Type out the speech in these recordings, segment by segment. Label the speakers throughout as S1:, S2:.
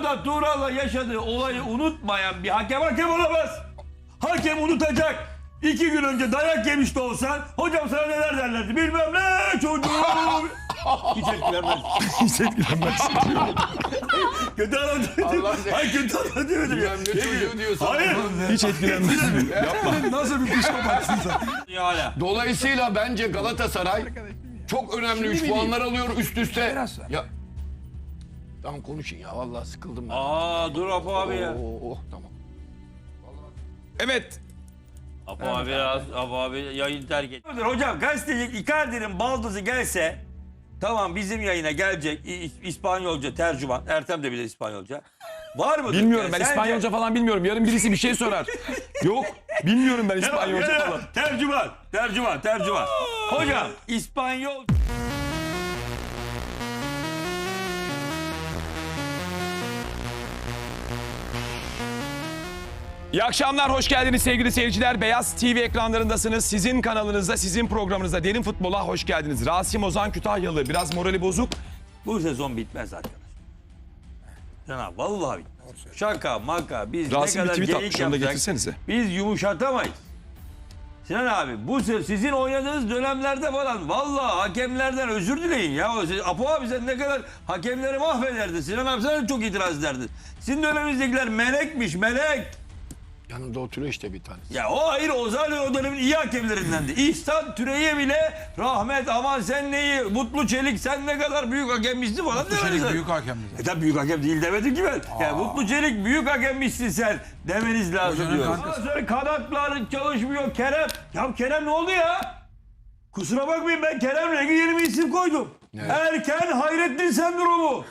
S1: Arda Turan'la yaşadığı olayı unutmayan bir hakem olamaz. Hakem unutacak. 2 gün önce dayak yemiş de olsan hocam sana neler derlerdi bilmem ne çocuğum. Hiç etkilenmez.
S2: Hiç etkilenmez.
S1: Kötü adam demedim. Hayır kötü adam demedim ya.
S3: Ne çocuğu diyorsun?
S1: Hayır.
S2: Hiç etkilenmez. Yapma.
S4: Nasıl bir psikopatsın sen?
S1: Hala.
S3: Dolayısıyla bence Galatasaray çok önemli 3 puanlar alıyor üst üste.
S4: Biraz
S3: Ya tamam konuşun ya vallahi sıkıldım ben.
S1: Aa dur Apo abi ya.
S3: Tamam.
S2: Evet.
S1: Apo abi yayın terk etti. Hocam gazeteci Icardi'nin baldızı gelse tamam bizim yayına gelecek İspanyolca tercüman. Ertem de bilir İspanyolca. Var mı?
S2: Bilmiyorum ben İspanyolca falan bilmiyorum. Yarın birisi bir şey sorar. Yok. Bilmiyorum ben İspanyolca falan.
S1: Tercüman. Hocam İspanyol...
S2: İyi akşamlar, hoş geldiniz sevgili seyirciler. Beyaz TV ekranlarındasınız. Sizin kanalınızda, sizin programınızda Derin Futbol'a hoş geldiniz. Rasim Ozan Kütahyalı, biraz morali bozuk.
S1: Bu sezon bitmez arkadaş. Sana vallahi bitmez. Şaka maka biz
S2: Rasim
S1: ne
S2: bir
S1: kadar
S2: tweet
S1: geyik
S2: atmış, onu da
S1: yapsak
S2: getirsenize.
S1: biz yumuşatamayız. Sinan abi bu sizin oynadığınız dönemlerde falan vallahi hakemlerden özür dileyin ya. Apo abi sen ne kadar hakemleri mahvederdin. Sinan abi sen de çok itiraz ederdin. Sizin döneminizdekiler melekmiş melek.
S3: Yanında oturuyor işte bir tanesi.
S1: Ya o hayır o zaten o dönemin iyi hakemlerindendi. İhsan Türey'e bile rahmet aman sen neyi Mutlu Çelik sen ne kadar büyük hakemmişsin falan demediniz.
S4: Çelik büyük hakemdi.
S1: Tabii büyük hakem değil demedim ki ben. Ya Mutlu Çelik büyük hakemmişsin sen demeniz lazım
S4: Hocanın
S1: diyor.
S4: kankası.
S1: Ondan sonra kanatlar çalışmıyor Kerem. Ya Kerem ne oldu ya? Kusura bakmayın ben Kerem'le ilgili yeni bir isim koydum. Erken Hayrettin sendromu.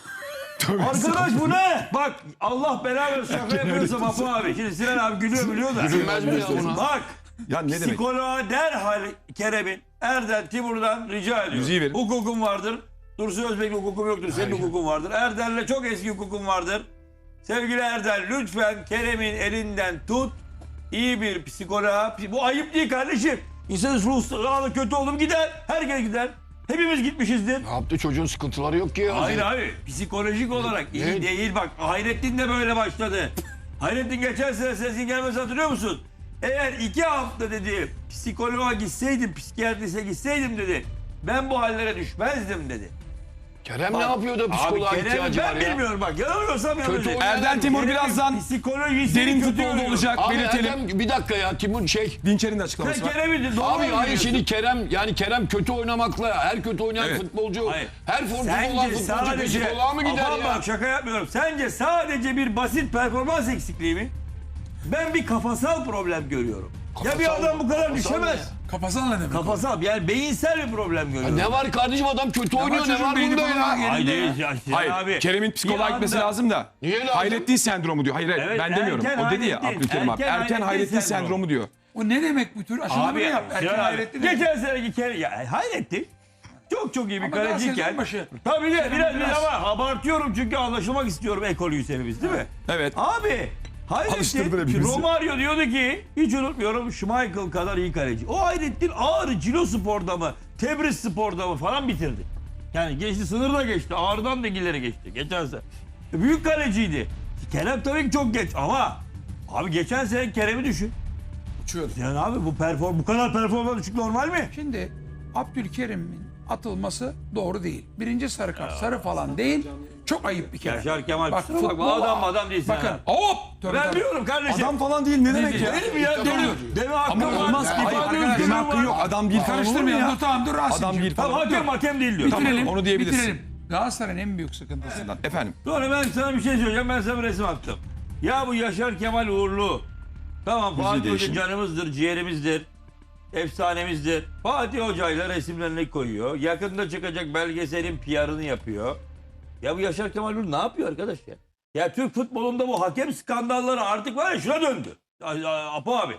S1: Arkadaş bu ne? Bak Allah belanı versin şaka yapıyorsam Apo abi. Şimdi Sinan abi gülüyor biliyor da.
S3: Gülünmez mi ya buna?
S1: Bak.
S2: Ya ne demek?
S1: Psikoloğa derhal Kerem'in Erdem Timur'dan rica ediyor.
S2: Yüzüğü verin.
S1: Hukukum vardır. Dursun Özbek'le hukukum yoktur. Senin hukukun vardır. Erdem'le çok eski hukukun vardır. Sevgili Erdem lütfen Kerem'in elinden tut. İyi bir psikoloğa. Bu ayıp değil kardeşim. İnsanın ruh sağlığı kötü olur gider. Herkes gider. Hepimiz gitmişizdir.
S3: Ne yaptı çocuğun sıkıntıları yok ki ya.
S1: Hayır abi psikolojik olarak iyi
S3: Ne?
S1: değil bak Hayrettin de böyle başladı. Hayrettin geçen sene sesin gelmesi hatırlıyor musun? Eğer 2 hafta dedi psikoloğa gitseydim psikiyatrise gitseydim dedi ben bu hallere düşmezdim dedi.
S3: Kerem ne yapıyor da psikoloğa
S1: Kerem,
S3: ihtiyacı var
S1: ben
S3: ya?
S1: bilmiyorum bak yanılıyorsam
S3: Kötü
S1: yanılıyorsam.
S2: Erden Timur
S1: Kerem'in
S2: birazdan
S1: psikolojisi
S2: Derin
S1: kötü
S2: Futbol'da
S1: oluyor.
S2: olacak,
S3: Abi
S2: belirtelim.
S3: Erdem bir dakika ya Timur
S2: Dinçer'in de
S1: Sen
S2: açıklaması var.
S1: Kerem'i doğru
S3: Abi
S1: mu
S3: hayır
S1: biliyorsun?
S3: şimdi Kerem kötü oynamakla her kötü oynayan
S2: Evet.
S3: futbolcu
S1: Hayır.
S3: her formda olan futbolcu psikoloğa mı gider
S1: Aman
S3: ya?
S1: bak şaka yapmıyorum. Sence sadece bir basit performans eksikliği mi? Ben bir kafasal problem görüyorum. Ya bir adam bu kadar
S3: kafasal
S1: düşemez.
S3: ne?
S4: Kafasal ne demek?
S1: Kafasal yani beyinsel bir problem görüyorum.
S3: Ne var kardeşim adam kötü oynuyor ne
S4: çocuğun
S3: var
S4: beyni
S3: bunda
S4: falan
S3: ya?
S4: yerinde.
S1: Hayır,
S4: ya.
S2: Hayır,
S1: abi.
S2: Kerem'in psikoloğa
S1: Bir
S2: gitmesi
S1: anda-
S2: lazım da.
S3: Niye lazım?
S2: Hayrettin sendromu diyor. Hayır,
S1: Evet,
S2: ben demiyorum.
S1: erken
S2: O dedi ya
S1: Hayrettin,
S2: Abdülkerim abi.
S1: erken
S2: Erken
S1: Hayrettin
S2: Hayrettin
S1: sendromu.
S2: sendromu diyor.
S4: O ne demek bu tür aşılamayı
S1: Abi
S4: yap. Erken
S1: Sinan abi,
S4: Hayrettin.
S1: geçen seneki Kerem ya Hayrettin çok iyi bir
S4: Ama daha
S1: kaleciyken.
S4: sezon başı.
S1: Tabii de biraz
S4: biraz.
S1: ama abartıyorum çünkü anlaşılmak istiyorum ekolüyüz hepimiz değil mi?
S2: Evet.
S1: Abi
S2: Alıştırdılar
S1: Hayrettin
S2: hepimizi.
S1: Romario diyordu ki hiç unutmuyorum Schmeichel kadar iyi kaleci. O Hayrettin Ağrı Cilo Spor'da mı Tebriz Spor'da mı falan bitirdi. Yani geçti sınırda geçti. Ağrı'dan da ileri geçti. Geçen sene. Büyük kaleciydi. Kerem tabii ki çok geç ama abi geçen sene Kerem'i düşün.
S4: Uçuyordu.
S1: Yani abi bu kadar performans düşük normal mi?
S4: Şimdi Abdülkerim'in atılması doğru değil. Birinci sarı kart sarı falan değil. Çok ayıp bir kere.
S1: Yaşar Kemal
S4: Bak,
S1: kusura bakma
S4: futbol-
S1: adam değilsin.
S4: Bakın.
S1: ha.
S2: Hop!
S4: Tövbe
S1: Ben
S4: tövbe.
S1: biliyorum kardeşim.
S2: Adam falan değil ne demek ya?
S1: Değil mi ya? Deme hakkım
S2: Ama
S1: var.
S2: olmaz.
S1: İfade
S2: Hayır,
S1: özgürlüğü
S2: deme
S1: var.
S2: hakkı yok. Adam bir falan olur mu
S4: Karıştırmayalım.
S2: ya?
S4: Dur tamam dur Rasim'ciğim.
S2: Adam bir
S1: Tamam
S2: falan.
S1: hakem değil diyor.
S4: Bitirelim.
S2: Tamam, onu diyebilirsin.
S4: Bitirelim. Galatasaray'ın en büyük sıkıntısından.
S2: Efendim.
S1: Sonra ben sana bir şey söyleyeceğim. Ben sana bir resim attım. Ya bu Yaşar Kemal Uğurlu. Tamam Fatih Hoca
S2: değişim.
S1: canımızdır, ciğerimizdir. Efsanemizdir. Fatih Hoca ile resimlerini koyuyor. Yakında çıkacak belgeselin PR'ını yapıyor. Ya bu Yaşar Kemal Uğurlu ne yapıyor arkadaş ya? Ya Türk futbolunda bu hakem skandalları artık var ya şuna döndü. Apo abi.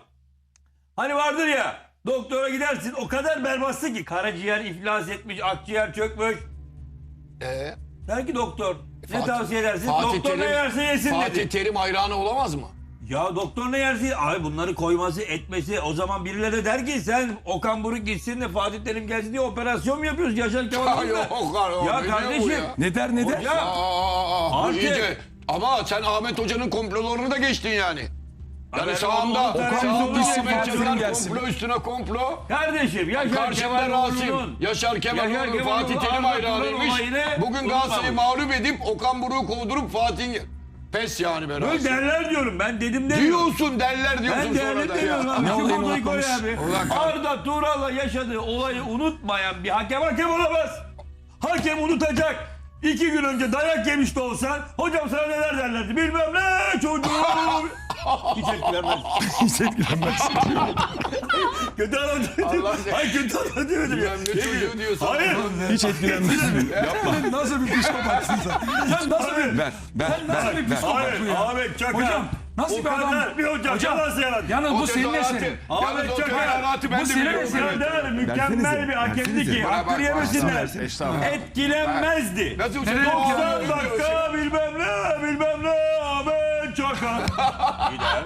S1: Hani vardır ya doktora gidersin o kadar berbatsın ki karaciğer iflas etmiş, akciğer çökmüş. Der ki doktor ne tavsiye edersin? Doktor ne yerse yesin
S3: Fatih
S1: dedi.
S3: Terim hayranı olamaz mı?
S1: Ya doktor ne yerse abi bunları koyması etmesi o zaman birileri de der ki sen Okan Buruk gitsin de Fatih Terim gelsin diye operasyon mu yapıyoruz Yaşar Kemal Uğurlu'yla?
S3: Yok,
S1: Ya
S3: ne diyor bu
S1: kardeşim.
S3: ya?
S2: Ne der ne der?
S1: Ya
S3: Bu
S1: Artık-
S3: iyice Ama sen Ahmet Hoca'nın komplolarını da geçtin yani. Yani
S1: Ben
S3: sağımda
S1: onu tercih
S3: sağımda
S1: ediyorum.
S3: Ahmet
S2: Fatih
S3: Çakar
S2: gelsin.
S3: komplo üstüne komplo.
S1: Kardeşim Yaşar
S3: Karşımda
S1: Kemal
S3: Rasim,
S1: Uğurlu'nun
S3: Yaşar Kemal
S1: Yaşar
S3: Uğurlu,
S1: Kemal
S3: Fatih
S1: Uğurlu
S3: Terim
S1: Arda Turan
S3: hayranıymış.
S1: olayını
S3: Bugün Galatasaray'ı
S1: unutmamış.
S3: mağlup edip Okan Buruk'u kovdurup Fatih'in pes yani be
S1: Böyle
S3: Rasim.
S1: derler diyorum ben dedim demiyorum.
S3: Diyorsun derler diyorsun
S1: Ben
S3: sonra
S1: değerli
S3: da
S1: demiyorum
S3: ya.
S1: abi. Şu
S2: olayını
S1: fotoğrafı koy
S2: unutmamış?
S1: abi.
S3: Ulan
S1: Arda Turan'la yaşadığı olayı unutmayan bir hakem olamaz. Hakem unutacak. 2 gün önce dayak yemiş de olsan hocam sana neler derlerdi bilmem ne çocuğum. Hiç etkilenmez.
S2: Hiç etkilenmez.
S1: Kötü anlatıyor.
S3: Allah seni-
S1: Hayır kötü anlatıyor.
S3: Bilmem ne çocuğu diyorsun.
S1: Hayır.
S2: Hiç etkilenmez. Yapma.
S4: Nasıl bir psikopatsın sen? Sen nasıl bir...
S2: Ver.
S4: Nasıl bir psikopat
S1: Hayır
S4: bu ya?
S1: Ahmet Çakar.
S4: Hocam, nasıl
S1: O
S4: bir adam?
S1: kadar Bir hocam yalan yalan.
S4: Yalnız bu senin
S3: tezahüratı-
S4: eserin.
S1: Ahmet
S3: Yalnız o
S1: Çakar.
S3: tezahüratı ben
S4: Bu
S3: de
S4: senin
S3: biliyorum.
S1: O
S4: eserin.
S1: kadar mükemmel bir hakemdi ki
S3: Bana bak,
S1: hakkını yemesinler.
S3: estağfurullah.
S1: Etkilenmezdi.
S3: Nasıl
S4: Nereye
S1: 90 dakika bilmem ne Ahmet Çakar. Gider.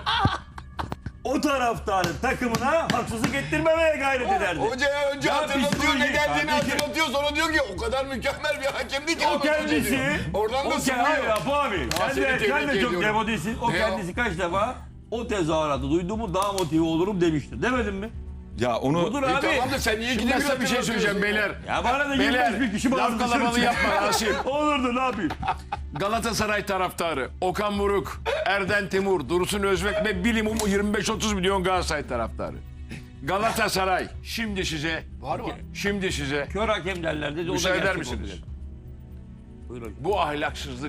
S1: O taraftarın takımına haksızlık ettirmemeye gayret ederdi.
S3: Hocaya önce
S1: Ya
S3: hatırlatıyor, ne
S1: psikoloji
S3: geldiğini
S1: kardeşim.
S3: hatırlatıyor, sonra diyor ki o kadar mükemmel bir hakemdi ki
S1: O
S3: Ahmet Hoca
S1: kendisi,
S3: diyor. Oradan da
S1: hayır
S3: sıkılıyor.
S1: Apo abi, sen
S3: seni
S1: de
S3: tebrik
S1: çok
S3: ediyorum.
S1: demodisin. O
S3: Ne
S1: kendisi kaç defa o tezahüratı duyduğumu daha motive olurum demişti. Demedin mi?
S2: Ya onu
S1: Budur
S3: İyi
S1: abi.
S3: tamam da sen niye gidemiyorsun?
S5: bir şey söyleyeceğim beyler.
S1: Ya bana da
S5: Beyler,
S1: 25 bin kişi
S5: laf
S1: bağlı
S5: kalabalığı yapma Rasim.
S1: Olurdu ne yapayım?
S5: Galatasaray taraftarı Okan Buruk, Erden Timur, Dursun Özbek ve bilimum 25-30 milyon Galatasaray taraftarı. Galatasaray şimdi size Şimdi size
S1: Kör hakem derler dedi. O da
S5: müsaade eder
S1: gerçek oldu
S5: misiniz?
S1: dedi. Buyur hocam.
S5: Bu ahlaksızlık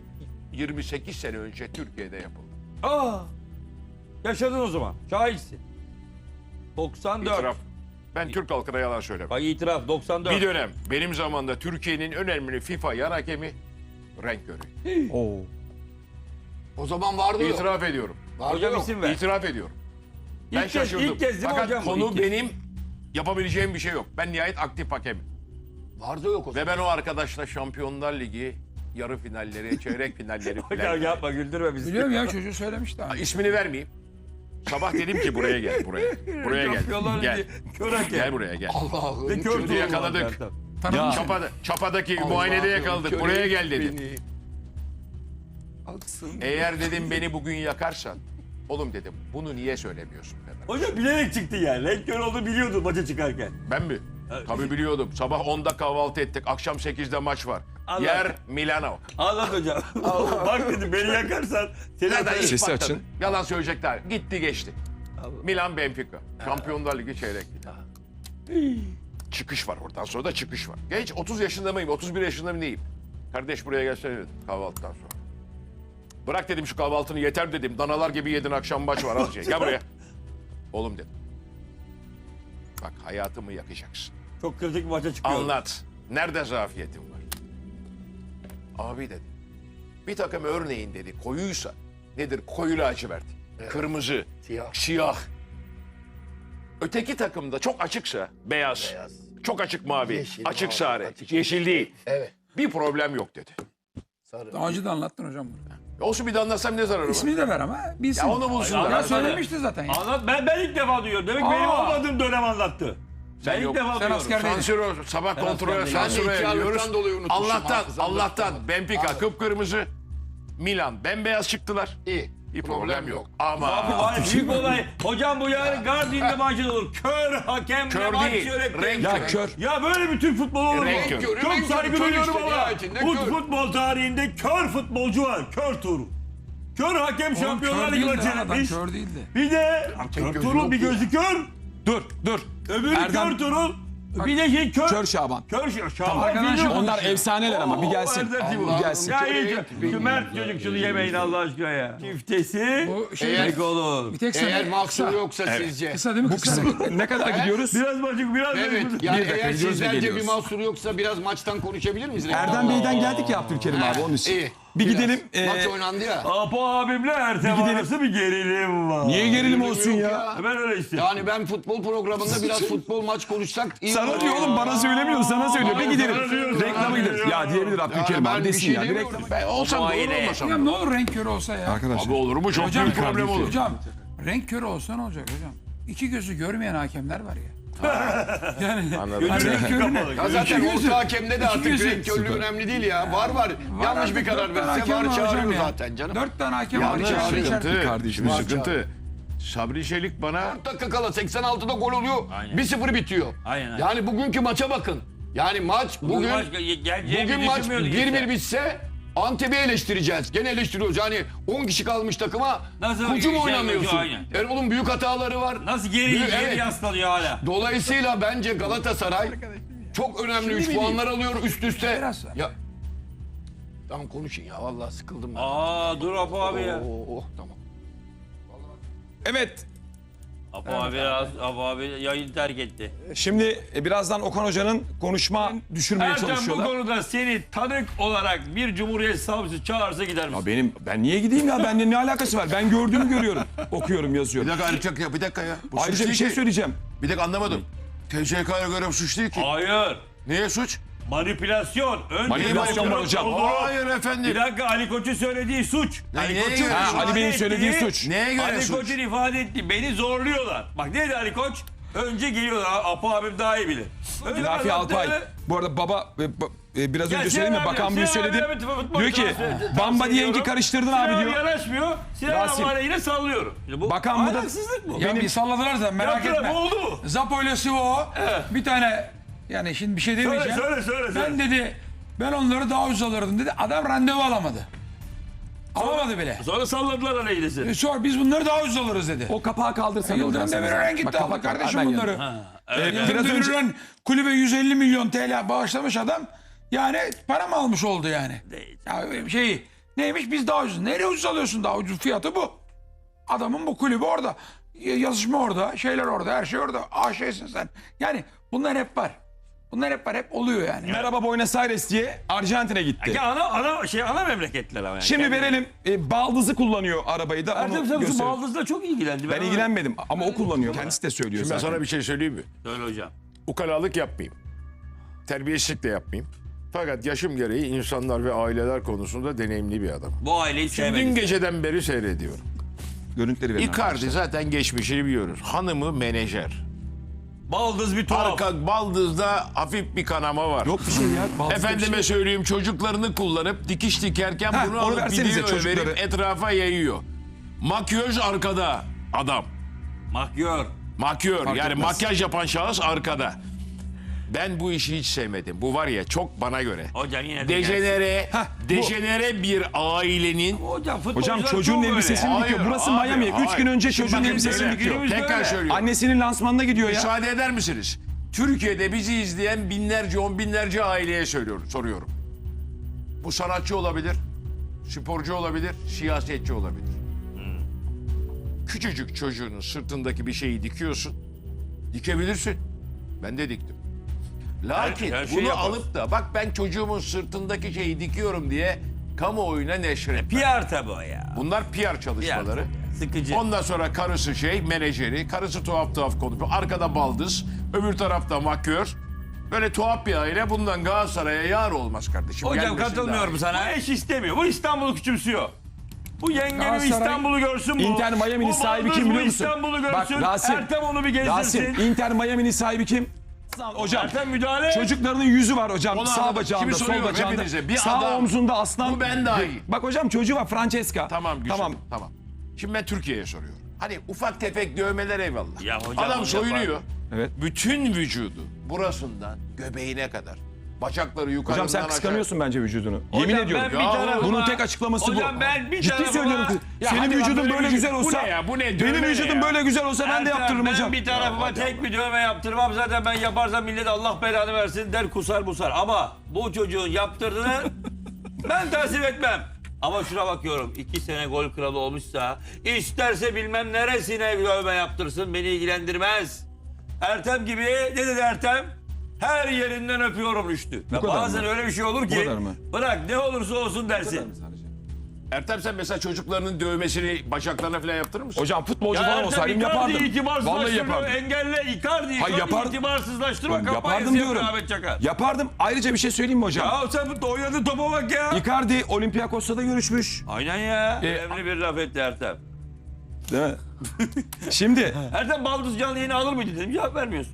S5: 28 sene önce Türkiye'de yapıldı.
S1: Aa, yaşadın o zaman. Şahitsin. 94.
S5: İtiraf. Ben Türk halkına yalan söylemem.
S1: Bak itiraf 94.
S5: Bir dönem benim zamanımda Türkiye'nin önemli FIFA yan hakemi renk körü.
S2: Oo.
S3: O zaman vardı yok.
S5: İtiraf ediyorum.
S1: Hocam isim ver.
S5: İtiraf ediyorum. Ben
S1: İlk kez-
S5: şaşırdım.
S1: ilk kez değil mi
S5: Fakat
S1: hocam bu?
S5: konu
S1: İlk kez.
S5: benim yapabileceğim bir şey yok. Ben nihayet aktif hakemim.
S3: Vardı yok o zaman.
S5: Ve ben o arkadaşla Şampiyonlar Ligi yarı finalleri, çeyrek finalleri
S1: Hocam
S5: filan.
S1: yapma güldürme bizi.
S4: Biliyorum ya çocuğu söylemişti abi.
S5: İsmini vermeyeyim. Sabah dedim ki buraya gel, buraya. Buraya gel.
S1: Şampiyonlar
S5: Gel.
S1: Ligi Kör hakem.
S5: Gel buraya gel.
S3: Allah'ım.
S1: Ve kör
S3: çocuğu
S1: tuğlu
S5: yakaladık.
S1: var zaten.
S4: Tanıdım.
S5: Çapa'daki muayenede yakaladık.
S3: Allah'ım,
S5: Buraya
S3: kör
S5: gel dedim.
S3: beni.
S5: Eğer dedim beni bugün yakarsan, oğlum dedim bunu niye söylemiyorsun Fener?
S1: Hocam bilerek çıktı yani. Renk kör olduğunu biliyordu maça çıkarken.
S5: Ben mi? Tabii biliyordum. Sabah 10'da kahvaltı ettik. Akşam 8'de maç var.
S1: Allah.
S5: Yer Milano.
S1: Anlat hocam. Bak dedim beni yakarsan seni
S5: Zaten
S1: atarım.
S5: ilk
S2: Sesi
S5: patladı.
S2: açın.
S5: Yalan söyleyecekler. Gitti geçti. Milan Benfica. Şampiyonlar Ligi çeyrek final. Çıkış var oradan sonra da çıkış var. Genç 30 yaşında mıyım? 31 yaşında mı neyim? Kardeş buraya gelsene dedim kahvaltıdan sonra. Bırak dedim şu kahvaltını yeter dedim. Danalar gibi yedin akşam maç var az şey. Gel buraya. Oğlum dedim. Bak hayatımı yakacaksın.
S1: Çok kritik bir maça çıkıyor.
S5: Anlat. Nerede zafiyetin var? Abi dedi. Bir takım örneğin dedi koyuysa nedir? Koyu lacivert. Kırmızı. Siyah. Öteki takımda çok açıksa beyaz. Çok açık mavi.
S3: Yeşil,
S5: açık
S3: mavi,
S5: sarı.
S3: açık
S5: Yeşil değil.
S3: Evet.
S5: Bir problem yok dedi.
S4: Daha önce de anlattın hocam bunu.
S5: Olsun bir de anlatsam ne zararı var?
S4: İsmini de ver ama bilsin.
S5: Ya onu bulsunlar.
S4: Ya söylemişti zaten ya.
S1: Anlat ben ilk defa duyuyorum. Demek ki benim
S4: Aa.
S1: olmadığım dönem anlattı. Ben ilk
S5: yok.
S1: defa
S4: Sen
S1: duyuyorum.
S4: askerdeydin.
S5: Sansür sabah kontrol
S1: Ben de
S5: sansüre
S3: iki
S5: ediyoruz.
S3: ağırlıktan dolayı unutmuşum,
S5: Allah'tan
S3: hafızamda.
S5: Benfica kıpkırmızı. Milan bembeyaz çıktılar.
S3: İyi.
S5: Bir problem yok. Ama
S1: Abi var büyük olay. Hocam bu yarın Guardian'da maçı olur. Kör hakemle
S5: Kör
S1: maç
S5: değil,
S1: yönetti.
S5: renk
S2: Ya kör.
S1: Ya böyle bir Türk futbolu olur mu?
S5: Renk kör.
S1: Çok
S3: Renk
S1: saygı
S3: kör
S1: duyuyorum
S3: işte,
S1: ama
S3: nihayetinde
S1: bu
S3: kör.
S1: futbol tarihinde kör futbolcu var. Kör Tuğrul. Kör hakem
S4: Oğlum
S1: Şampiyonlar
S4: kör
S1: Ligi
S4: değildi
S1: maçı
S4: adam,
S1: yönetmiş.
S4: kör değildi.
S1: Bir de kör
S3: gözü
S1: Tuğrul
S3: yok
S1: bir
S3: ya.
S1: gözü kör.
S2: Dur.
S1: Öbürü
S2: Erdem-
S1: kör Tuğrul. Bir de şey kör.
S2: Kör Şaban.
S1: Şaban
S4: arkadan
S1: biliyor
S4: şu-
S1: musun?
S2: Onlar efsaneler ama bir gelsin.
S1: Erdem Timur.
S2: Bir gelsin.
S1: Ya iyi. Şu Mert çocuk şunu yemeyin Allah aşkına ya. Çiftesi.
S4: Bu şey
S1: Eğer olur.
S4: bir tek
S3: Eğer
S4: sen
S3: mahsur yoksa sizce.
S4: kısa değil mi? Kısa.
S2: Ne kadar gidiyoruz?
S1: Biraz maçık biraz.
S3: Evet.
S1: maçık.
S3: Yani
S2: dakika,
S3: eğer
S2: gidiyoruz ve
S3: sizlerce bir
S2: geliyoruz.
S3: mahsur yoksa biraz maçtan konuşabilir miyiz?
S2: Erdem Bey'den geldik ya Abdülkerim abi onun için.
S3: İyi.
S2: Bir
S3: Biraz.
S2: gidelim.
S3: Maç oynandı ya.
S1: Apo abimle Ertem
S2: gidelim.
S1: arası bir gerilim var.
S2: Niye gerilim olsun
S3: Yok
S2: ya?
S1: Ben öyle istedim.
S3: Yani ben futbol programında biraz futbol maç konuşsak iyi
S2: Sana
S3: olur.
S2: diyor oğlum bana söylemiyor sana söylüyor. Bir gidelim.
S1: Sana diyor,
S2: Reklama
S1: sana
S2: gidelim.
S1: diyor.
S2: Ya diyebilir Abdülkerim
S3: ben
S2: abi
S3: bir
S2: desin
S3: şey
S2: ya. Bir
S3: demiyorum.
S2: reklam.
S5: ben olsam da olur olmasam
S4: Hocam
S5: da
S4: ne
S5: olur.
S4: olur renk körü olsa ya.
S2: Arkadaşlar.
S5: Abi olur mu? Çok
S4: Hocam,
S5: büyük problem olur.
S4: Hocam renk körü olsa ne olacak hocam? İki gözü görmeyen hakemler var ya.
S5: Anladım.
S1: Kapalı.
S3: Ya zaten orta hakemde de artık
S4: gözü.
S3: renk körlüğü önemli değil ya. Var. Yanlış bir karar verirse var çağırıyor zaten canım.
S4: 4 tane hakem var.
S5: Yanlış
S4: içeride.
S5: sıkıntı.
S2: kardeşim,
S5: Şimdi
S3: var
S5: sıkıntı. Sabri Çelik bana
S3: 4 dakika kala 86'da gol oluyor.
S1: Aynen.
S3: 1-0 bitiyor.
S1: Aynen.
S3: Yani bugünkü maça bakın. Yani maç bugün maç 1-1 bitse Antep'i eleştireceğiz. Gene eleştiriyoruz. Yani 10 kişi kalmış takıma
S1: Nasıl
S3: kucu mu
S1: şey
S3: oynamıyorsun?
S1: yapıyor, aynen.
S3: Erol'un büyük hataları var.
S1: Nasıl geri
S3: Evet.
S1: yaslanıyor hala?
S3: Dolayısıyla bence Galatasaray çok önemli 3 puanlar alıyor üst üste.
S4: Biraz.
S3: Ya tamam konuşun ya vallahi sıkıldım ben.
S1: Aa dur Apo abi ya.
S3: Tamam.
S2: Evet.
S1: Apo abi yayını terk etti.
S2: Şimdi birazdan Okan Hoca'nın konuşma düşürmeye
S1: Ertem bu
S2: çalışıyorlar.
S1: konuda seni tanık olarak bir Cumhuriyet Savcısı çağırsa gider misin?
S2: Ya ben niye gideyim ya? Bende ne alakası var? Ben gördüğümü görüyorum. Okuyorum,
S6: Bir
S2: yazıyorum.
S6: dakika ayrıca bir dakika ya. Bu suç
S2: Ayrıca bir
S6: değil
S2: şey
S6: ki.
S2: söyleyeceğim.
S6: Bir dakika anlamadım. TCK'ya göre bu suç değil ki.
S1: Hayır.
S6: Neye suç?
S1: Manipülasyon. Önce
S2: Manipülasyon var hocam.
S6: Hayır efendim.
S1: Bir dakika Ali Koç'un söylediği suç. Ali
S6: neye
S1: Koç'un
S6: göre?
S2: Ha,
S1: ifade
S2: Ali Bey'in söylediği
S1: ettiği-
S2: suç.
S6: Neye göre
S1: Ali
S6: suç?
S1: Koç'un ifade ettiği beni zorluyorlar. Bak ne dedi Ali Koç? Önce geliyorlar. Apo abim daha iyi bilir. Önce
S2: Lafi
S1: anlattı.
S2: Alpay. Bu arada baba biraz
S1: Ya
S2: önce
S1: Sinan
S2: söyledim mi?
S1: abi,
S2: Bakan Büyük
S1: Sinan
S2: söyledi.
S1: abi, futbol
S2: Diyor ki
S1: tavsiye
S2: Bamba
S1: ediyorum.
S2: diyenki karıştırdın
S1: Sinan
S2: abi diyor.
S1: yanaşmıyor. Sinan
S2: Rasim.
S1: abi yine sallıyorum. Şimdi bu
S2: Bakan bu da-
S1: ahlaksızlık bu.
S4: Ya bir salladılar da merak
S1: Yaptılar,
S4: etme.
S1: bu oldu.
S4: Zapo ile Sivo bir tane yani şimdi bir şey demeyeceğim.
S1: Söyle.
S4: Ben dedi ben onları daha ucuz alırdım dedi. Adam randevu alamadı. Alamadı bile.
S1: Sonra salladılar aleyhine seni.
S4: Sor biz bunları daha ucuz alırız dedi.
S2: O kapağı kaldırsana hocam.
S4: Yıldırım
S2: sen.
S4: Demirören
S2: Bak,
S4: gitti
S2: kapak
S4: aldı
S2: var.
S4: kardeşim
S2: Ben
S4: bunları.
S2: Biraz
S4: Yıldırım
S2: önce
S4: Demirören kulübe 150 milyon TL bağışlamış adam. Yani para mı almış oldu yani? Ya neymiş biz daha ucuz. Nereye ucuz alıyorsun daha ucuz fiyatı bu. Adamın bu kulübü orada. Yazışma orada, şeyler orada, her şey orada. Şeysin sen. Yani bunlar hep var. Bunlar hep var, hep oluyor yani.
S2: Merhaba Buenos Aires diye Arjantin'e gitti.
S1: Ya ana memleketler ama yani.
S2: Şimdi verelim. Baldızı kullanıyor arabayı da.
S1: Ertem
S2: Onu
S1: sen şu
S2: gösterelim.
S1: baldızla çok ilgilendi.
S2: Ben ilgilenmedim ama o kullanıyor. Kendisi de söylüyor
S5: Şimdi ben
S2: zaten.
S5: sana bir şey söyleyeyim mi?
S1: Söyle hocam.
S5: Ukalalık yapmayayım. Terbiyesizlik de yapmayayım. Fakat yaşım gereği insanlar ve aileler konusunda deneyimli bir adam.
S1: Bu aileyi
S5: Dün
S1: sevmedim.
S5: geceden beri seyrediyorum.
S2: Görüntüleri verin.
S5: Icardi zaten geçmişini biliyoruz. Hanımı menajer.
S1: Baldız bir tuhaf.
S5: Arka baldızda hafif bir kanama var.
S2: Yok bir şey ya. Baldızda
S5: Efendime
S2: bir şey.
S5: söyleyeyim çocuklarını kullanıp dikiş dikerken
S2: Heh,
S5: bunu
S2: onu
S5: alıp
S2: versenize
S5: video
S2: çocukları.
S5: verip etrafa yayıyor. Makyöz arkada adam.
S1: Makyör.
S5: Makyör
S2: Fark
S5: yani
S2: etmez.
S5: makyaj yapan şahıs arkada. Ben bu işi hiç sevmedim. Bu var ya çok bana göre.
S1: Hocam yine de gelsin.
S5: Dejenere bir ailenin
S1: Hocam futbolcular
S2: Hocam çocuğun
S1: çok öyle.
S2: elbisesini
S5: Hayır,
S2: dikiyor. Burası
S5: hayır,
S2: Miami. 3 gün
S5: hayır.
S2: önce
S5: Şimdi
S2: çocuğun
S5: bakın
S2: elbisesini
S5: böyle,
S2: dikiyor.
S1: günümüzde
S5: tekrar
S1: öyle.
S5: söylüyorum.
S2: Annesinin lansmanına gidiyor ya.
S5: Müsaade eder misiniz? Türkiye'de bizi izleyen binlerce, on binlerce aileye soruyorum. Bu sanatçı olabilir, sporcu olabilir, siyasetçi olabilir. Küçücük çocuğunun sırtındaki bir şeyi dikiyorsun. Dikebilirsin. Ben de diktim. Lakin
S1: her şeyi
S5: bunu
S1: yaparız.
S5: alıp da bak ben çocuğumun sırtındaki şeyi dikiyorum diye kamuoyuna neşretme.
S1: PR tabi o ya.
S5: Bunlar PR çalışmaları.
S1: Sıkıcı.
S5: Ondan sonra karısı menajeri, karısı tuhaf konuşuyor. Arkada baldız, öbür tarafta makyör. Böyle tuhaf bir aile bundan Galatasaray'a yar olmaz kardeşim.
S1: Hocam
S5: Gelmesin
S1: katılmıyorum
S5: daha.
S1: sana. Bu eş istemiyor. Bu İstanbul'u küçümsüyor. Bu yengenin
S4: Galatasaray-
S1: İstanbul'u görsün bu.
S2: Inter Miami'nin
S1: Bu
S2: sahibi
S1: baldız
S2: kim
S1: bu
S2: biliyor musun?
S1: İstanbul'u
S2: Bak,
S1: görsün.
S2: Rasim.
S1: Ertem onu bir gezdirsin.
S2: Rasim, Inter Miami'nin sahibi kim? Hocam.
S1: Ertem müdahale.
S2: Çocuklarının yüzü var hocam.
S5: Onu
S2: Sağ
S5: anladım.
S2: bacağında,
S5: Kimi
S2: sol
S5: soruyorum
S2: bacağında.
S5: hepinize? Bir
S2: Sağ
S5: adam.
S2: omzunda aslan.
S5: Bu ben dahil.
S2: Bak hocam çocuğu var Francesca.
S5: Tamam güzel.
S2: Tamam.
S5: Tamam. Şimdi ben Türkiye'ye soruyorum. Hani ufak tefek dövmeler eyvallah.
S1: Ya hocam,
S5: Adam
S1: onu
S5: soyunuyor.
S1: yapar.
S2: Evet.
S5: Bütün vücudu burasından göbeğine kadar. Bacakları yukarıdan
S2: Hocam sen kıskanıyorsun bence vücudunu.
S1: Hocam
S2: Yemin ediyorum.
S1: ben bir tarafıma-
S2: Bunun tek açıklaması bu.
S1: Hocam ben bir
S2: Ciddi
S1: tarafıma-
S2: söylüyorum.
S5: Ya
S2: Senin
S5: hadi lan,
S2: vücudun
S5: böyle
S2: böyle
S5: vücut-
S2: güzel
S5: bu
S2: olsa.
S5: ne ya? Bu ne?
S2: Benim
S5: Dövme ne
S2: vücudum
S5: ya?
S2: böyle güzel olsa ben de
S1: Ertem,
S2: yaptırırım hocam.
S1: Ben bir tarafıma
S5: hadi
S1: tek
S5: ama.
S1: bir dövme yaptırmam. Zaten ben yaparsam millet Allah belanı versin der kusar busar. Ama bu çocuğun yaptırdığını ben tasvip etmem. Ama şuna bakıyorum. 2 sene gol kralı olmuşsa isterse bilmem neresine dövme yaptırsın beni ilgilendirmez. Ertem gibi ne dedi Ertem? Her yerinden öpüyorum Rüştü. Ve
S2: kadar
S1: bazen
S2: mı?
S1: öyle bir şey olur ki
S2: kadar mı?
S1: bırak ne olursa olsun dersin.
S5: Ertem sen mesela çocuklarının dövmesini bacaklarına falan yaptırır mısın?
S2: Hocam futbolcu
S1: Ya
S2: falan
S1: Ertem
S2: olsaydım
S1: Icardi'yi
S2: yapardım. Vallahi
S1: itibarsızlaştırma,
S2: yapardım.
S1: engelle Icardi'yi
S2: Hayır, yapardım.
S1: itibarsızlaştırma
S2: Ben
S1: kampanyası
S2: yapardım
S1: yapıyor
S2: diyorum.
S1: Ahmet Çakar.
S2: Yapardım. Ayrıca bir şey söyleyeyim mi hocam?
S1: Ya sen bu oynadığın topa bak ya.
S2: Icardi Olympiakos'ta da görüşmüş.
S1: Aynen ya.
S2: E,
S1: Önemli bir laf etti Ertem.
S2: Değil mi? Şimdi
S1: Ertem Baldız canlı yayını alır mıydı dedim. Cevap vermiyorsun.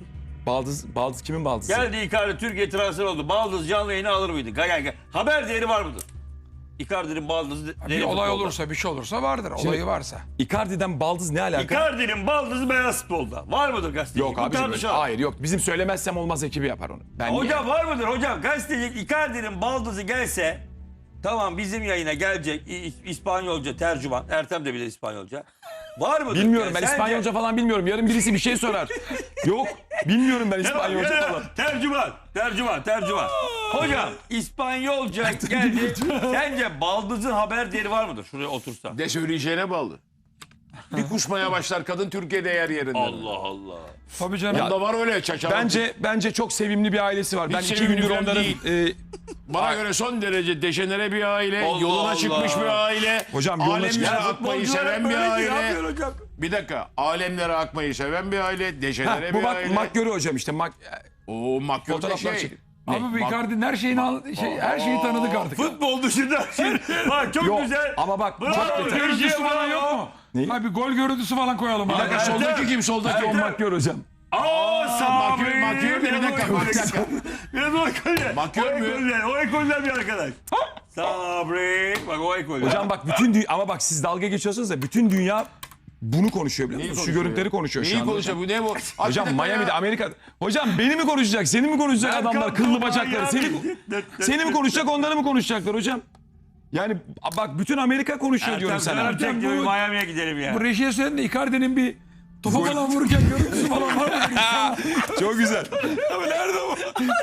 S2: Baldız kimin baldızı?
S1: Geldi Icardi Türkiye transfer oldu. Baldız canlı yayını alır mıydı? Gel. Haber değeri var mıdır? Icardi'nin baldızı
S4: Bir
S1: değeri
S4: olay
S1: futbolda.
S4: olursa bir şey olursa vardır. Olayı varsa.
S2: Icardi'den baldız ne alaka?
S1: Icardi'nin baldızı beyaz futbolda. Var mıdır gazeteci?
S2: Yok
S1: Bu
S2: abicim.
S1: tartışalım.
S2: Hayır yok. Bizim söylemezsem olmaz ekibi yapar onu. Ben niye?
S1: Hocam var mıdır hocam? Gazeteci Icardi'nin baldızı gelse tamam bizim yayına gelecek İspanyolca tercüman. Ertem de bilir İspanyolca. Var mıdır?
S2: Bilmiyorum ben
S1: Sence-
S2: İspanyolca falan bilmiyorum. Yarın birisi bir şey sorar. Yok bilmiyorum ben İspanyolca
S1: Ya,
S2: falan.
S1: Tercüman. Hocam İspanyolca geldi. Sence baldızın haber değeri var mıdır? Şuraya otursa.
S5: Ne söyleyeceğine bağlı. Bir kusmaya başlar kadın Türkiye'de yer yerinde.
S1: Allah.
S4: Tabii canım.
S5: Bunda var öyle çaçalı.
S2: Bence çok sevimli bir ailesi var. Ben
S5: Hiç
S2: 2
S5: sevimli
S2: gündür
S5: falan
S2: onların
S5: değil. Bana göre son derece dejenere bir aile,
S1: Allah
S5: yoluna
S1: Allah.
S5: çıkmış bir aile.
S2: Hocam yoluna
S5: alemlere
S2: çıkmış.
S5: akmayı seven bir aile. Bir dakika, alemlere akmayı seven bir aile, dejenere
S2: bu
S5: bir
S2: bak
S5: aile.
S2: Makyörü hocam işte.
S5: O makyör de
S2: Fotoğraflar
S5: şey.
S2: çek.
S4: Abi bu Icardi'nin her şeyini her şeyi tanıdık artık.
S1: Futbol dışında. Bak çok
S2: Yok
S1: güzel.
S2: ama bak
S1: Bravo.
S2: çok detay.
S4: Görüntüsü falan yok mu?
S2: Ne?
S4: Ha bir gol görüntüsü falan koyalım.
S5: Bir dakika, soldaki kim? Soldaki
S2: John
S5: kim?
S2: Makyör hocam.
S1: Sabri.
S5: Makyör de bir dakika.
S1: Biraz o ekolden.
S5: Makyör mü?
S1: O ekolden bir arkadaş. Sabri. Bak o ekolden.
S2: Hocam bak ama bak siz dalga geçiyorsunuz da bütün dünya bunu konuşuyor biliyor musunuz? Şu görüntüleri konuşuyor şu
S5: Neyi
S2: anda.
S5: konuşuyor? Bu ne bu?
S2: Hocam Miami'de Amerika. Hocam beni mi konuşacak? Seni mi konuşacak adamlar? Kıllı bacakları. Seni mi konuşacak? Onları mı konuşacaklar hocam? Yani bak bütün Amerika konuşuyor diyorum sana.
S4: Ertem, bu-
S1: Miami'ye gidelim ya.
S4: Bu rejiye söyledin de Icardi'nin bir topa falan vururken görüntüsü falan var mı?
S2: Çok güzel.
S4: Abi nerede o?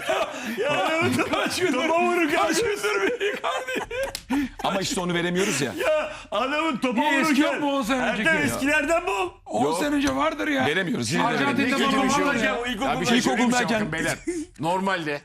S1: Kaç gündür bir
S2: Ama işte onu veremiyoruz ya.
S1: Ya adamın topa
S4: Niye eski yok mu 10 sene önceki
S1: Ertem
S4: ya?
S1: eskilerden bul.
S4: 10 sene önce vardır ya.
S2: Veremiyoruz. Yine de
S4: Arjantin'de
S2: veremiyoruz.
S4: baba
S5: bir şey
S4: var
S5: olacak.
S4: ya.
S1: O
S5: Ya bir şey söyleyeyim mi
S2: İlkokuldayken-
S5: bakın beyler. Normalde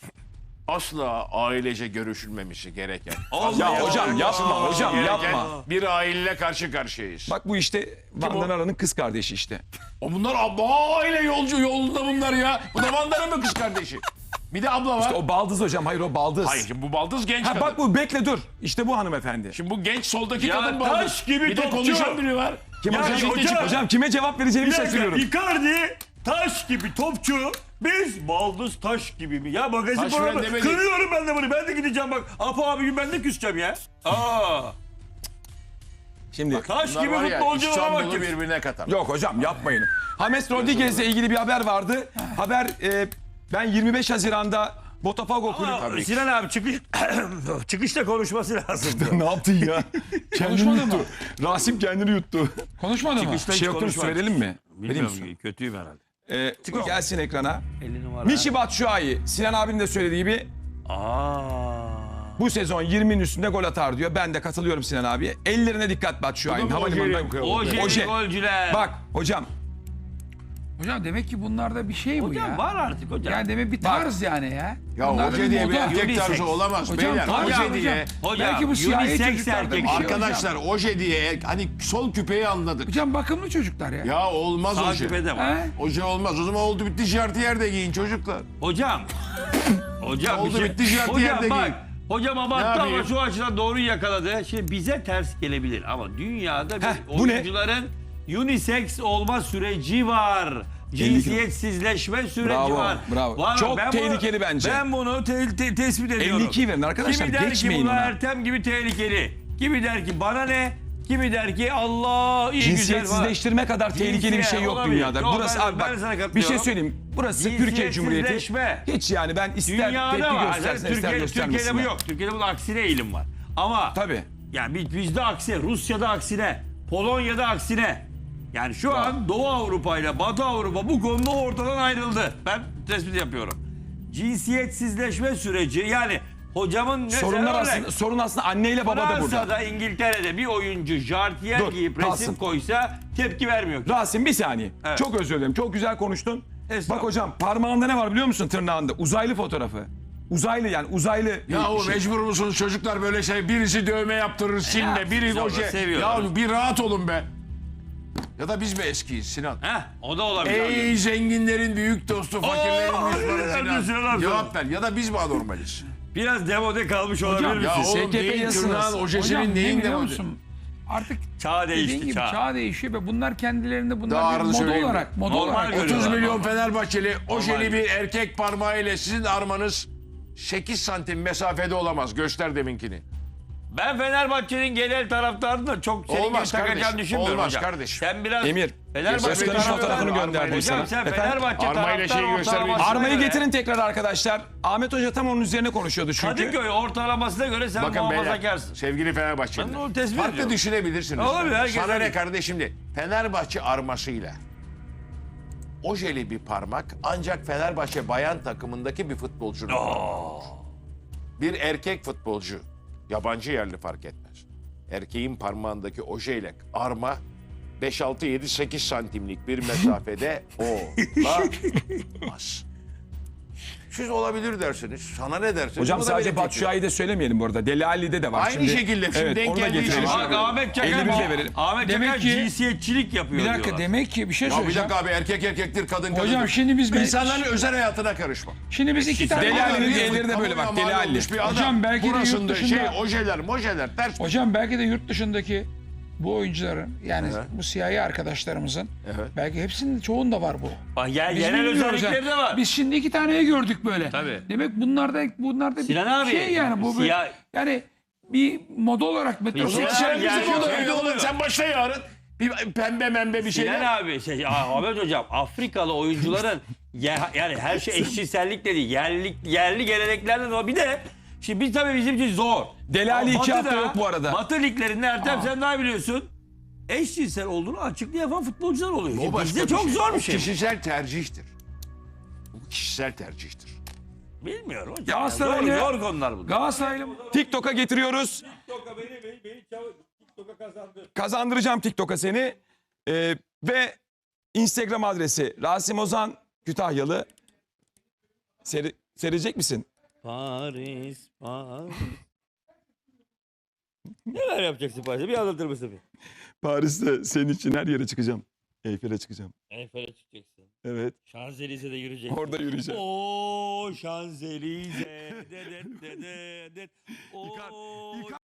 S5: asla ailece görüşülmemişi gereken.
S2: Ya hocam yapma hocam
S5: gereken
S2: yapma.
S5: bir aileyle karşı karşıyayız.
S2: Bak bu işte Van'dan Aran'ın kız kardeşi işte.
S5: O bunlar aile yolunda bunlar ya. Bu da Vandara'nın kız kardeşi. Bir de abla var.
S2: O baldız hocam. Hayır o baldız.
S5: Hayır şimdi bu baldız genç
S2: Ha
S5: kadın.
S2: bak bu bekle dur. İşte bu hanımefendi.
S5: Şimdi bu genç soldaki
S1: Ya
S5: kadın
S1: taş
S5: baldız.
S1: gibi
S5: bir de
S1: topçu.
S5: konuşan biri var.
S2: Kim
S1: Ya
S2: hocam?
S1: hocam-
S2: Hocam kime cevap vereceğimi şaşırıyorum.
S1: Icardi taş gibi topçu. Biz baldız taş gibi mi? Ya magazin
S5: Taş
S1: programı.
S5: falan demedik.
S1: Kırıyorum ben de bunu. Ben de gideceğim bak. Apo abi ben de küseceğim ya.
S2: Şimdi
S1: Taş
S5: Bunlar
S1: gibi
S5: var ya
S1: futbolcu var
S5: İstanbul'u
S1: bak.
S5: birbirine katar.
S2: yok hocam yapmayın. James Rodriguez'le ilgili bir haber vardı. Haber ben 25 Haziran'da Botafogo kulübü...
S1: Sinan abi çıkışta konuşması lazım.
S2: Ne yaptın ya? Kendini
S4: Konuşmadı mı?
S2: yuttu. Rasim kendini yuttu.
S4: Konuşmadı mı?
S2: Bir şey yoktu mu söyleyelim mi? Vereyim mi?
S1: Bilmiyorum kötüyüm herhalde.
S2: Gelsin ekrana.
S1: 50 numara.
S2: Mişi Batshuayi, Sinan abinin de söylediği gibi bu sezon 20'nin üstünde gol atar diyor. Ben de katılıyorum Sinan abiye. Ellerine dikkat Batshuayi'nin havalimanından.
S1: Oje golcüler.
S2: Bak hocam
S4: Hocam demek ki bunlarda bir şey bu
S1: Hocam
S4: ya.
S1: var artık hocam.
S4: Yani demek bir tarz yani ya.
S5: Ya
S4: Bunlarda
S5: hoca diye bir
S4: moda.
S5: erkek
S1: unisex.
S5: tarzı olamaz
S4: Hocam
S5: beyler.
S4: tarz
S5: Hoca
S4: hocam.
S5: diye.
S1: Hocam,
S4: Belki bu siyahi
S1: unisex
S4: çocuklarda
S1: erkek.
S4: bir şey
S5: Arkadaşlar
S4: hocam.
S5: oje diye hani sol küpeyi anladık.
S4: Hocam bakımlı çocuklar ya.
S5: Ya olmaz
S1: Takip
S5: oje.
S1: edemem.
S4: He?
S5: Oje olmaz. O zaman oldu bitti jartiyer de giyin çocuklar.
S1: Hocam. Hocam
S5: Oldu bitti, jartiyer
S1: Hocam
S5: de
S1: bak.
S5: giyin.
S1: Hocam abarttı ama
S5: yapayım?
S1: şu açıdan doğru yakaladı. Şimdi bize ters gelebilir ama dünyada bir
S2: bu ne?
S1: oyuncuların unisex olma süreci var. Cinsiyetsizleşme süreci
S2: Bravo,
S1: var.
S2: bravo.
S1: Var.
S2: Çok
S1: Ben
S2: tehlikeli bence.
S1: Ben bunu tespit ediyorum.
S2: 52 verin arkadaşlar,
S1: Kimi der ki
S2: geçmeyin
S1: bu
S2: ona.
S1: Ertem gibi tehlikeli. Kimi der ki bana ne? Kimi der ki Allah iyi güzel falan.
S2: cinsiyetsizleştirme kadar tehlikeli bir şey yok
S1: olabilir.
S2: dünyada.
S1: Yok,
S2: Burası
S1: ben
S2: abi bak
S1: sana
S2: bir şey
S1: katılıyorum.
S2: söyleyeyim. Burası Türkiye Cumhuriyeti.
S1: Cinsiyetsizleşme.
S2: Hiç yani ben ister
S1: Dünyada
S2: tepki
S1: var.
S2: göstersin ister
S1: Türkiye'de bu
S2: göstermesinler.
S1: yok. Türkiye'de bunun aksine eğilim var. Ama
S2: Tabii.
S1: yani bizde aksine, Rusya'da aksine, Polonya'da aksine. Yani şu an Doğu Avrupa ile Batı Avrupa bu konuda ortadan ayrıldı. Ben tespit yapıyorum. Cinsiyetsizleşme süreci yani hocamın
S2: Sorun aslında anneyle baba da burada.
S1: Fransa'da, İngiltere'de bir oyuncu jartiyer
S2: Dur,
S1: giyip resim
S2: kalsın.
S1: koysa tepki vermiyor.
S2: Rasim bir saniye.
S1: Evet.
S2: Çok özür dilerim. Çok güzel konuştun.
S1: Estağfurullah.
S2: Bak hocam parmağında ne var biliyor musun tırnağında? Uzaylı fotoğrafı. Uzaylı yani uzaylı.
S5: Ya o
S2: şey.
S5: mecbur musunuz çocuklar böyle şey birisi dövme yaptırır silme biri
S1: biz
S5: oje.
S1: onu seviyoruz.
S5: Ya bir rahat olun be. Ya da biz mi eskiyiz Sinan?
S1: Heh, o da olabilir.
S5: Ey zenginlerin büyük dostu fakirlerin düşmanı
S1: Sinan
S5: Sinan.
S1: abi.
S5: Cevap ver ya da biz mi anormaliz?
S1: Biraz demode kalmış olabilir
S5: Ya
S1: misin?
S5: oğlum
S2: SKP
S5: neyin
S2: yazısınız.
S5: tırnağın
S4: Hocam
S5: ojesinin
S4: ne
S5: neyin
S4: biliyor
S5: demodi?
S4: musun? artık
S1: Çağ
S4: dediğin
S1: değişti
S4: gibi
S1: çağ.
S4: çağ değişiyor ve bunlar kendilerinde
S6: Daha
S4: bunlar bir
S6: ağırını
S4: moda
S6: söyleyeyim mi?
S4: olarak
S1: Normal görüyorlar.
S6: 30 milyon
S1: Normal.
S6: Fenerbahçeli ojeli
S1: Normal.
S6: bir erkek parmağıyla sizin armanız 8 santim mesafede olamaz. Göster deminkini.
S1: Ben Fenerbahçe'nin genel taraftarını da çok senin gibi
S6: Olmaz
S1: takacağını
S6: kardeşim,
S1: düşünmüyorum
S6: olmaz
S1: hocam.
S6: kardeşim.
S1: Sen biraz
S2: Emir,
S1: Fenerbahçe
S2: Özkan'ın
S1: taraftarı-
S2: fotoğrafını gönderdim
S1: Hocam
S2: sana.
S1: sen
S2: Efendim?
S1: Fenerbahçe
S5: Armayla şeyi
S1: taraftarı
S5: göstermeyin.
S1: ortalamasına
S2: Armayı
S1: göre-
S2: getirin tekrar arkadaşlar. Ahmet Hoca tam onun üzerine konuşuyordu çünkü.
S1: Kadıköy ortalamasına göre sen
S5: Bakın beyler,
S1: muhafazakarsın.
S5: sevgili
S1: Ben
S5: Fenerbahçeliler.
S1: onu tespit
S6: Farklı
S1: ediyorum.
S6: düşünebilirsiniz.
S1: Olabilir, herkes
S6: Sana
S1: öyle.
S6: ne kardeşim de Fenerbahçe armasıyla ojeli bir parmak ancak Fenerbahçe bayan takımındaki bir futbolcunun parmağıdır. Bir erkek futbolcu, yabancı yerli fark etmez. Erkeğin parmağındaki ojeyle arma 5, 6, 7, 8 santimlik bir mesafede olamaz. Siz olabilir dersiniz. Sana ne dersiniz?
S2: Hocam
S6: Bu da
S2: sadece
S6: benim
S2: Batu
S6: fikrim.
S2: Şua'yı da söylemeyelim bu arada. Deli Ali'de de var.
S6: Aynı
S2: şimdi.
S6: şekilde şimdi
S2: Evet,
S6: denk
S2: onu da
S6: geldiği için
S2: getirelim.
S6: söylüyorum.
S1: Bak Ahmet Çakar,
S2: 51 de verelim.
S1: Ahmet
S4: Demek
S1: Çakar
S4: ki-
S1: cinsiyetçilik yapıyor
S4: bir dakika
S1: diyorlar.
S4: demek ki bir şey
S6: Ya bir
S4: söyleyeceğim.
S6: dakika abi erkek erkektir kadın kadındır.
S4: Hocam şimdi biz
S6: İnsanların özel hayatına karışma.
S4: şimdi biz iki tane
S2: Deli Ali'nin
S6: Yazık,
S2: elleri de böyle bak,
S6: kamuya
S2: Deli
S6: mal
S2: Ali.
S6: olmuş bir adam.
S4: Hocam belki de yurt
S6: Burasında
S4: dışında-
S6: ojeler mojeler ters.
S4: Hocam belki de yurt dışındaki bu oyuncuların yani
S6: Evet.
S4: bu siyahi arkadaşlarımızın
S6: Evet.
S4: belki hepsinin çoğunda var bu.
S1: Bak
S4: Biz
S1: genel
S4: bilmiyoruz
S1: özellikleri de var.
S4: Biz şimdi iki taneyi gördük böyle.
S1: Tabii.
S4: Demek bunlarda
S1: Sinan
S4: bir
S1: abi,
S4: şey yani bu
S1: siyah-
S4: yani bir moda olarak
S1: Sinan
S6: Sen
S1: abi,
S6: bizim
S1: gerçek
S6: odada
S1: öyle
S6: evde
S1: oluyor.
S6: olur. Sen başla yarın. Bir pembe membe bir
S1: Sinan
S6: şeyler.
S1: abi, Ahmet hocam Afrikalı oyuncuların yani her şey eşcinsellik de değil. Yerli geleneklerden o. Bir de şimdi biz tabii bizim için zor.
S2: Deli Ali
S1: Ama
S2: 2 hafta
S1: Batı'da,
S2: yok bu arada.
S1: Batı liglerinde Ertem sen daha biliyorsun. Eşcinsel olduğunu açıklı yapan futbolcular oluyor.
S6: O
S1: Şimdi
S6: başka
S1: bizde çok zor
S6: O
S1: bir şey. bu.
S6: kişisel tercihtir. Bu kişisel tercihtir.
S1: Bilmiyorum hocam.
S4: Galatasaray'la-
S1: Zor konular bunlar.
S4: Galatasaray'la
S2: TikTok'a getiriyoruz. Kazandıracağım TikTok'a seni. Ve Instagram adresi Rasim Ozan Kütahyalı. Serecek misin?
S1: Paris. Neler yapacaksın Paris'te? Bir anlatır mısın?
S2: Paris'te senin için her yere çıkacağım. Eyfel'e çıkacağım.
S1: Eyfel'e çıkacaksın.
S2: Evet.
S1: Şanzelize'de yürüyeceksin.
S2: Orada yürüyeceğim.
S1: Oo Şanzelize. Oo.